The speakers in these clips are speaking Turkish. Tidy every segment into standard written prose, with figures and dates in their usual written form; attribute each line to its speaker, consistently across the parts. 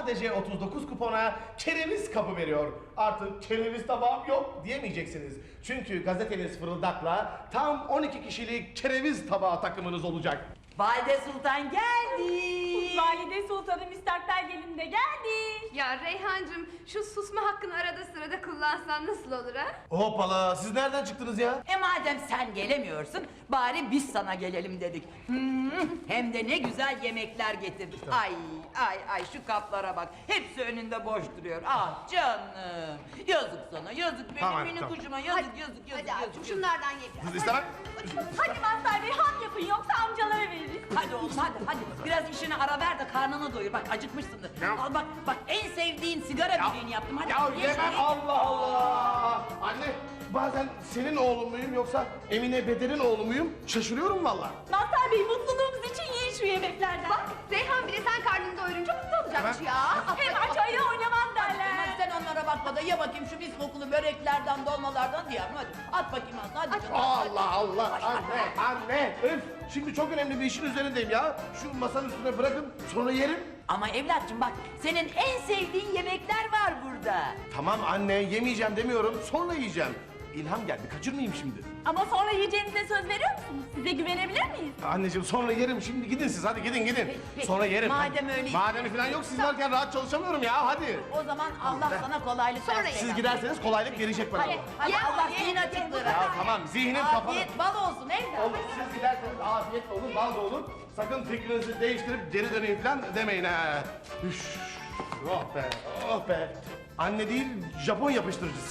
Speaker 1: sadece 39 kupona kereviz kabı veriyor. Artık kereviz tabağım yok diyemeyeceksiniz. Çünkü gazeteniz Fırıldak'la tam 12 kişilik kereviz tabağı takımınız olacak.
Speaker 2: Valide Sultan geldi.
Speaker 3: Valide Sultan'ın müstakbel gelini de geldi.
Speaker 4: Ya Reyhancığım şu susma hakkını arada sırada kullansan nasıl olur ha?
Speaker 1: Hoppala, siz nereden çıktınız ya?
Speaker 2: Madem sen gelemiyorsun, bari biz sana gelelim dedik. Hem de ne güzel yemekler getirdik. Ay şu kaplara bak. Hepsi önünde boş duruyor. Ah canım. Yazık sana, yazık benim
Speaker 1: Tamam,
Speaker 2: minik
Speaker 1: tamam.
Speaker 2: kuşuma, yazık.
Speaker 4: Hadi abi şunlardan ye biraz.
Speaker 1: Siz istemem.
Speaker 3: Hadi Mazhar Bey ham yapın yoksa amcalara veririz.
Speaker 2: Hadi oğlum hadi. Biraz işine ara ver de karnını doyur. Bak acıkmışsındır. Al bak en sevdiğin sigara böreğini yaptım. Hadi.
Speaker 1: Ya yemem, Allah Allah! Anne, bazen senin oğlun muyum yoksa Emine Beder'in oğlu muyum? Şaşırıyorum valla.
Speaker 3: Mazhar Bey mutluluğumuz için yiyin şu yemeklerden.
Speaker 4: Bak Reyhan bile sen karnını doyurunca mutlu olacakmış
Speaker 1: Hemen.
Speaker 4: ya.
Speaker 3: Hem aç ayı oynamam derler.
Speaker 2: Hadi sen onlara bakma da ye bakayım şu mis kokulu böreklerden, dolmalardan diye. Hadi at bakayım ağzına, hadi canım.
Speaker 1: Allah Allah! Anne! Öf! Şimdi çok önemli bir işin üzerindeyim ya. Şu masanın üstüne bırakın, sonra yerim.
Speaker 2: Ama evlatçım bak, senin en sevdiğin yemekler var burada.
Speaker 1: Tamam anne, yemeyeceğim demiyorum, sonra yiyeceğim. İlham geldi, kaçırmayayım şimdi.
Speaker 3: Ama sonra yiyeceğinize söz veriyor musunuz? Size güvenebilir miyiz?
Speaker 1: Anneciğim sonra yerim, şimdi gidin siz, hadi gidin.
Speaker 2: Peki,
Speaker 1: Sonra yerim.
Speaker 2: madem öyle-
Speaker 1: Madem falan yok, siz varken rahat çalışamıyorum ya, hadi.
Speaker 2: O zaman Allah sana kolaylık
Speaker 4: Sonra
Speaker 2: versin.
Speaker 1: Siz giderseniz kolaylık gelecek bana.
Speaker 2: Hadi
Speaker 4: Ye,
Speaker 2: Allah
Speaker 4: ye,
Speaker 2: zihin
Speaker 4: ye,
Speaker 2: açıklığı.
Speaker 1: Ya tamam, zihnim kapalı.
Speaker 2: Afiyet bal olsun evlat.
Speaker 1: Olur, siz giderseniz afiyet de olur, bal da olur. Sakın fikrinizi değiştirip geri döneyim falan demeyin ha. Üş, oh be, oh be. Anne değil, Japon yapıştırıcısı.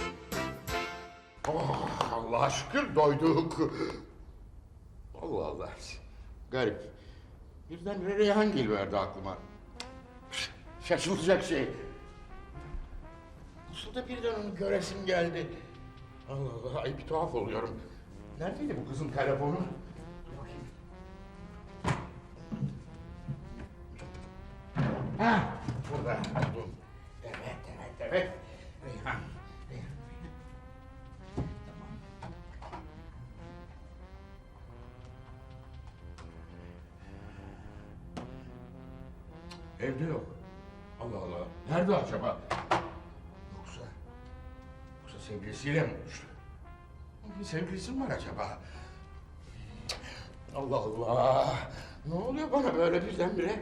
Speaker 5: Oh, Allah'a şükür doyduk. Allah Allah. Garip. Birden Reyhan geliverdi aklıma. Şaşılacak şey. Nasıl da birden onu göresim geldi. Allah Allah, ay bir tuhaf oluyorum. Neredeydi bu kızın telefonu? Dur bakayım. Ha, burada buldum. Evet. Reyhan. Evde yok. Allah Allah. Nerede acaba? Yoksa sevgilisiyle mi buluştu? Bir sevgilisi mi var acaba? Allah Allah. Ne oluyor bana böyle birdenbire?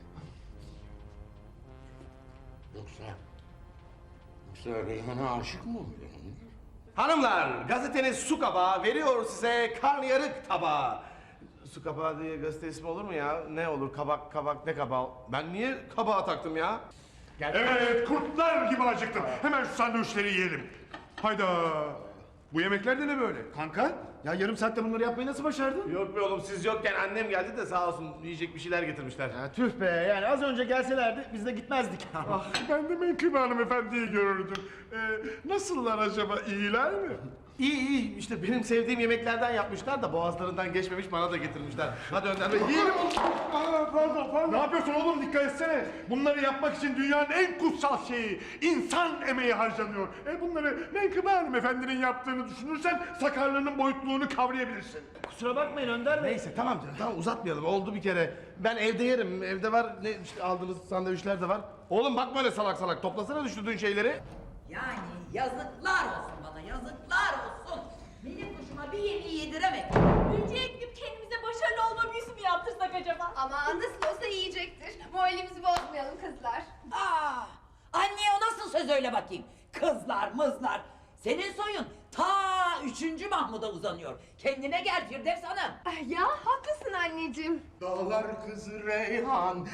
Speaker 5: Yoksa Reyhan'a aşık mı oluyor?
Speaker 1: Hanımlar, gazeteniz Su Kabağı veriyor size karnıyarık tabağı. Su Kabağı diye gazete ismi olur mu ya? Ne olur, kabak, ne kabağı? Ben niye kabağa taktım ya?
Speaker 6: Evet, kurtlar gibi acıktım. Hemen şu sandviçleri yiyelim. Hayda. Bu yemekler de ne böyle?
Speaker 7: Kanka, ya yarım saatte bunları yapmayı nasıl başardın?
Speaker 1: Yok be oğlum, siz yokken annem geldi de sağ olsun yiyecek bir şeyler getirmişler.
Speaker 7: Ya tüh be, yani az önce gelselerdi biz de gitmezdik.
Speaker 6: Ah, ben de Menkıbe hanımefendiyi görürdüm. Nasıllar acaba, iyiler mi?
Speaker 1: İyi, işte benim sevdiğim yemeklerden yapmışlar da boğazlarından geçmemiş bana da getirmişler. Hadi Önder Bey yiyelim.
Speaker 6: Pardon. Ne yapıyorsun oğlum, dikkat etsene. Bunları yapmak için dünyanın en kutsal şeyi, insan emeği harcanıyor. Bunları Menkıbe hanımefendinin yaptığını düşünürsen sakarlığının boyutluğunu kavrayabilirsin.
Speaker 7: Kusura bakmayın Önder Bey.
Speaker 1: Neyse tamam canım, tamam uzatmayalım, oldu bir kere. Ben evde yerim, evde var, ne işte aldığınız sandviçler de var. Oğlum bakma öyle salak, toplasana düşürdüğün şeyleri.
Speaker 2: Yani yazıklar olsun bana, yazıklar olsun. Benim kuşuma bir yemeği yediremedim.
Speaker 3: Ülkeye gidip kendimize başarılı olma büyüsü mü yaptırsak acaba?
Speaker 4: Ama nasıl olsa yiyecektir. Moralimizi bozmayalım kızlar.
Speaker 2: Anneye o nasıl söz öyle bakayım? Kızlar mızlar. Senin soyun ta 3. Mahmud'a uzanıyor. Kendine gel Firdevs Hanım.
Speaker 4: Ya haklısın anneciğim.
Speaker 5: Dağlar kızı Reyhan.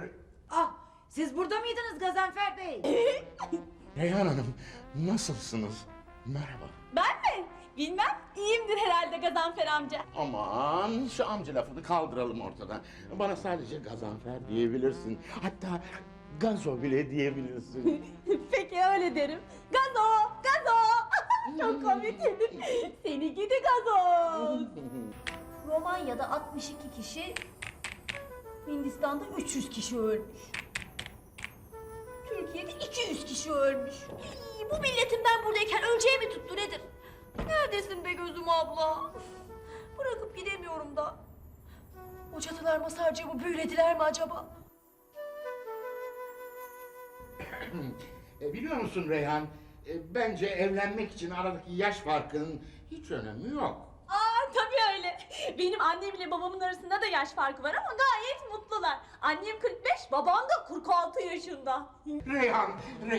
Speaker 2: Siz burada mıydınız Gazanfer Bey?
Speaker 5: Reyhan Hanım, nasılsınız? Merhaba.
Speaker 3: Ben mi? Bilmem. İyiyimdir herhalde Gazanfer amca.
Speaker 5: Aman şu amca lafını kaldıralım ortadan. Bana sadece Gazanfer diyebilirsin. Hatta Gazo bile diyebilirsin.
Speaker 3: Peki öyle derim. Gazo! Çok komiksin. Seni gidi gazoz. Romanya'da 62 kişi, Hindistan'da 300 kişi ölmüş. Türkiye'de 200 kişi ölmüş. Bu milletin ben buradayken öleceği mi tuttu nedir? Neredesin be gözüm abla? Bırakıp gidemiyorum da. O çatılar Masarcığımı büyülediler mi acaba?
Speaker 5: Biliyor musun Reyhan? Bence evlenmek için aradaki yaş farkının hiç önemi yok.
Speaker 3: Aa tabii öyle. Benim annemle babamın arasında da yaş farkı var ama gayet mutlular. Annem 45, babam da 46 yaşında.
Speaker 5: Reyhan.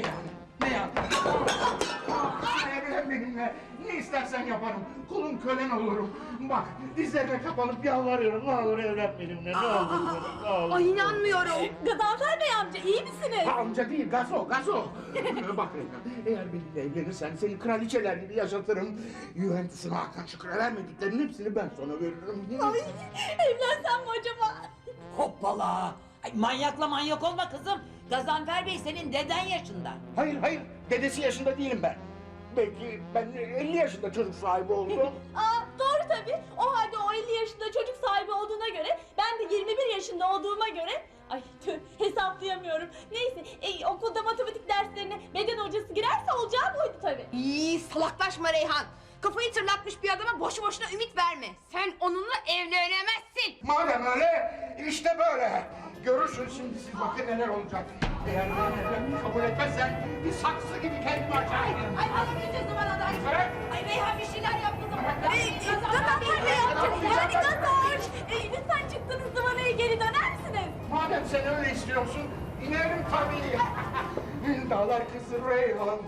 Speaker 5: Evlen benimle. Ne istersen yaparım. Kulun kölen olurum. Bak dizlerime kapanıp yalvarıyorum. Ne olur evlen benimle. Ne olur. Ne olur.
Speaker 4: Ay inanmıyorum.
Speaker 3: Gazanfer Bey amca iyi misiniz?
Speaker 5: Amca değil, gazo. Bak Reyhan, eğer benimle evlenirsen seni kraliçeler gibi yaşatırım. Juventus'un Hakan Şükrü vermediklerinin hepsini ben sana veririm.
Speaker 3: Ay evlensem mi acaba?
Speaker 2: Hoppala. Ay, manyak olma kızım. Gazanfer Bey senin deden yaşında.
Speaker 5: Hayır, dedesi yaşında değilim ben. Belki ben 50 yaşında çocuk sahibi oldum.
Speaker 3: Aa doğru tabii. O halde o 50 yaşında çocuk sahibi olduğuna göre ben de 21 yaşında olduğuma göre ay tüh hesaplayamıyorum. Neyse okulda matematik derslerine beden hocası girerse olacağı buydu tabii.
Speaker 4: İyi salaklaşma Reyhan. Kafayı tırlatmış bir adama boşu boşuna ümit verme. Sen onunla evlenemezsin.
Speaker 5: Madem öyle, işte böyle. Görürsün şimdi siz bakın neler olacak. Eğer ben evlenmeyi kabul etmezsen bir saksı gibi kendimi açarım.
Speaker 3: Ay alamayacağız zaman aday.
Speaker 5: Bırak.
Speaker 3: Ay Reyhan bir şeyler yaptı zaman. Gazanfer Bey amca yani Gazoş. Lütfen çıktığınız zamanaya geri döner misiniz?
Speaker 5: Madem sen öyle istiyorsun, inerim tabii. Dağlar kızı Reyhan.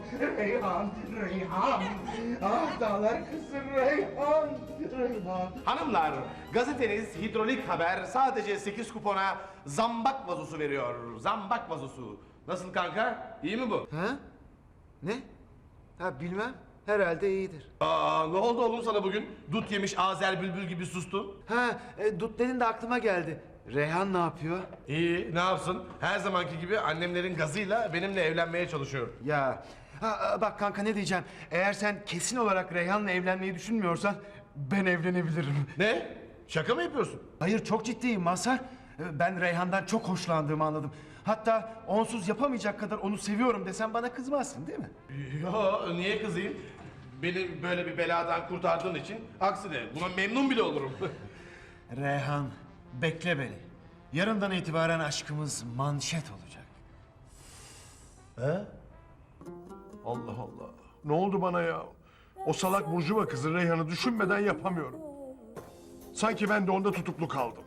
Speaker 5: Ah dağlar kızı Reyhan.
Speaker 1: Hanımlar, gazeteniz Hidrolik Haber sadece 8 kupona zambak vazosu veriyor. Zambak vazosu. Nasıl kanka? İyi mi bu?
Speaker 8: Ha? Ne? Ha bilmem. Herhalde iyidir.
Speaker 1: Aa, ne oldu oğlum sana bugün? Dut yemiş Azer bülbül gibi sustun.
Speaker 8: Ha, Dut dedin de aklıma geldi. Reyhan ne yapıyor?
Speaker 1: İyi, ne yapsın? Her zamanki gibi annemlerin gazıyla benimle evlenmeye çalışıyor.
Speaker 8: Ya. Bak kanka ne diyeceğim. Eğer sen kesin olarak Reyhan'la evlenmeyi düşünmüyorsan ben evlenebilirim.
Speaker 1: Ne? Şaka mı yapıyorsun?
Speaker 8: Hayır çok ciddiyim Mazhar. Ben Reyhan'dan çok hoşlandığımı anladım. Hatta onsuz yapamayacak kadar onu seviyorum desem bana kızmazsın değil mi?
Speaker 1: Yo, niye kızayım? Beni böyle bir beladan kurtardığın için aksine buna memnun bile olurum.
Speaker 8: Reyhan bekle beni. Yarından itibaren aşkımız manşet olacak.
Speaker 1: He?
Speaker 6: Allah Allah. Ne oldu bana ya? O salak burjuva kızı Reyhan'ı düşünmeden yapamıyorum. Sanki ben de onda tutuklu kaldım.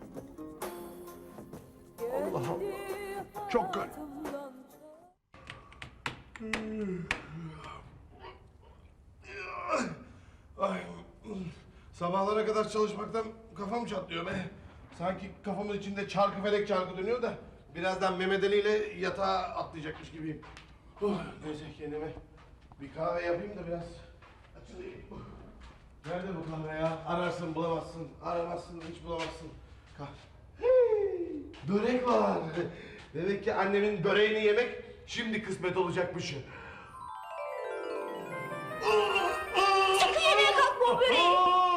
Speaker 6: Allah Allah. Çok garip.
Speaker 1: Ay, sabahlara kadar çalışmaktan kafam çatlıyor be. Sanki kafamın içinde çarkı felek çarkı dönüyor da birazdan Mehmet Ali ile yatağa atlayacakmış gibiyim. Neyse kendime bir kahve yapayım da biraz açılayım. Nerede bu kahve ya? Ararsın bulamazsın, aramazsın hiç bulamazsın. Hey, börek var. Demek ki annemin böreğini yemek şimdi kısmet olacakmış.
Speaker 3: Sakın yemeye kalkma o böreği.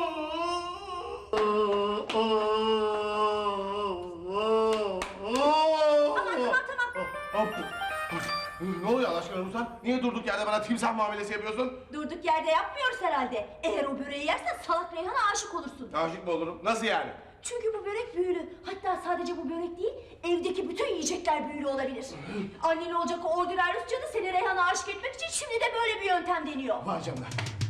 Speaker 3: Tamam.
Speaker 1: Ne oluyor Allah aşkına Ruslan? Niye durduk yerde bana timsah muamelesi yapıyorsun?
Speaker 3: Durduk yerde yapmıyoruz herhalde. Eğer o böreği yersen salak Reyhan'a aşık olursun.
Speaker 1: Aşık mı olurum? Nasıl yani?
Speaker 3: Çünkü bu börek büyülü. Hatta sadece bu börek değil, evdeki bütün yiyecekler büyülü olabilir. Annen olacak o ordinal Rusça da seni Reyhan'a aşık etmek için şimdi de böyle bir yöntem deniyor.
Speaker 1: Vay canına.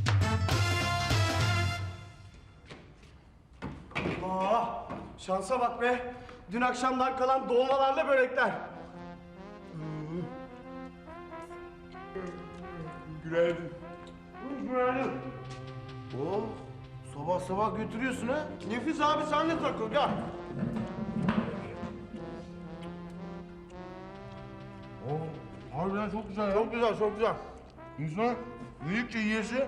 Speaker 7: Aa, şansa bak be. Dün akşamdan kalan dolmalarla börekler.
Speaker 6: Günaydın.
Speaker 1: Günaydın. Oh, sabah sabah götürüyorsun ha?
Speaker 7: Nefis abi sen de takıl gel.
Speaker 1: Oh, harbiden çok güzel ya. Çok güzel, çok güzel. İnsan büyükçe yiyesi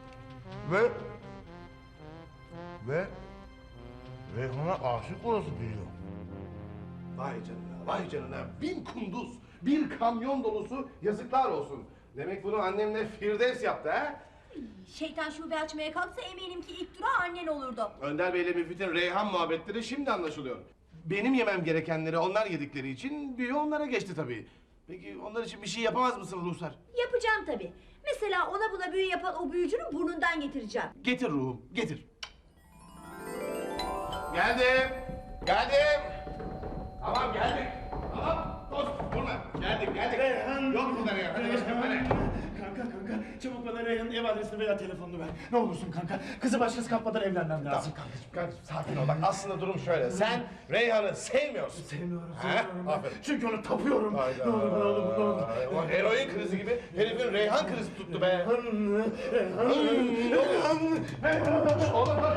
Speaker 1: ve Reyhan'a aşık olası biliyor. Vay canına, vay canına. 1000 kunduz, bir kamyon dolusu yazıklar olsun. Demek bunu annemle Firdevs yaptı ha?
Speaker 3: Şeytan şube açmaya kalksa eminim ki ilk durağı annen olurdu.
Speaker 1: Önder Bey'le Müfit'in Reyhan muhabbetleri şimdi anlaşılıyor. Benim yemem gerekenleri onlar yedikleri için büyü onlara geçti tabii. Peki onlar için bir şey yapamaz mısın Ruhsar?
Speaker 3: Yapacağım tabii. Mesela ona buna büyü yapan o büyücünün burnundan getireceğim.
Speaker 1: Getir ruhum, getir. Geldim, geldim. Tamam geldik. Tamam, dost durma. Geldik.
Speaker 6: Reyhan
Speaker 1: Yok burada Reyhan. Hadi başkanım hadi.
Speaker 5: Kanka çabuk bana Reyhan'ın ev adresini veya telefonunu ver. Ne olursun kanka. Kızı başkası kapmadan evlenmem lazım.
Speaker 1: Kankacığım sakin ol. Bak aslında durum şöyle. Sen Reyhan'ı sevmiyorsun.
Speaker 5: Sevmiyorum
Speaker 1: He? Aferin.
Speaker 5: Çünkü onu tapıyorum.
Speaker 1: Hayda.
Speaker 5: Ne olur.
Speaker 1: O heroin krizi gibi herifin Reyhan krizi tuttu be. Oğlum bak.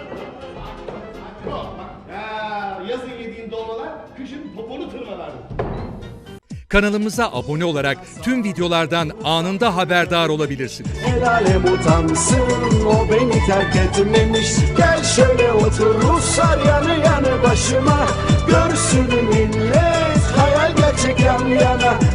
Speaker 1: Ya yazın yediğin dolmalar kışın poponu tırmalar.
Speaker 9: Kanalımıza abone olarak tüm videolardan anında haberdar olabilirsiniz.
Speaker 10: El alem utansın, o beni terk etmemiş. Gel şöyle otur Ruslar yanı yanı başıma. Görsün millet hayal gerçek yan yana.